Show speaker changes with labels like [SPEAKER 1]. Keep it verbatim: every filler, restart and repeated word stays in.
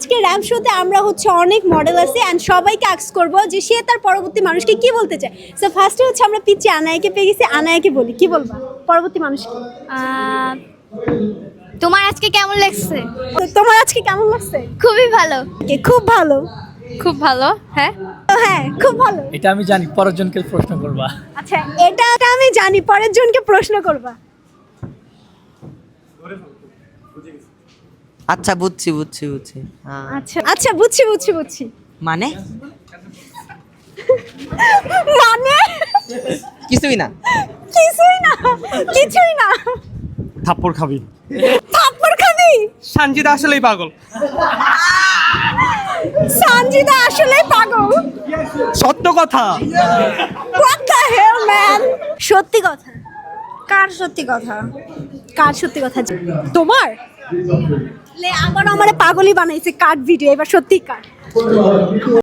[SPEAKER 1] আজকে র্যাম্প শোতে আমরা হচ্ছে অনেক মডেল আছে অ্যান্ড সবাইকে আস্ক করবো যে সে তার পরবর্তী মানুষকে কি বলতে চায়। সো ফার্স্টে হচ্ছে আমরা পিচ্ছি আনায়াকে পেয়ে গেছি, আনায়াকে বলি কি বলবা পরবর্তী মানুষকে।
[SPEAKER 2] আহ, তোমার আজকে কেমন লাগছে?
[SPEAKER 1] তো তোমার আজকে কেমন লাগছে?
[SPEAKER 2] খুবই ভালো।
[SPEAKER 1] Okay, খুব ভালো।
[SPEAKER 2] খুব ভালো। হ্যাঁ,
[SPEAKER 1] তো হ্যাঁ খুব ভালো।
[SPEAKER 3] এটা আমি জানি, পরের জনকে প্রশ্ন করবা।
[SPEAKER 1] আচ্ছা এটা এটা আমি জানি, পরের জনকে প্রশ্ন করবা।
[SPEAKER 4] আচ্ছা বুঝছি বুঝছি বুঝছি হ্যাঁ।
[SPEAKER 1] আচ্ছা আচ্ছা বুঝছি বুঝছি বুঝছি
[SPEAKER 4] মানে
[SPEAKER 1] মানে
[SPEAKER 4] কিছুই না।
[SPEAKER 1] কিছুই না, কিছুই না।
[SPEAKER 3] থাপ্পড় খাবি।
[SPEAKER 1] থাপ্পড় খাবি?
[SPEAKER 5] সানজিদা আসলেই পাগল।
[SPEAKER 1] সঞ্জিদা আসলে পাগল।
[SPEAKER 5] সত্য কথা।
[SPEAKER 1] What the hell man? সত্যি কথা।
[SPEAKER 2] কার সত্যি কথা?
[SPEAKER 1] কার সত্যি কথা? তোমার? লে আবার আমারে পাগলই বানাইছে কাট ভিডিও, এবার সত্যি কাট।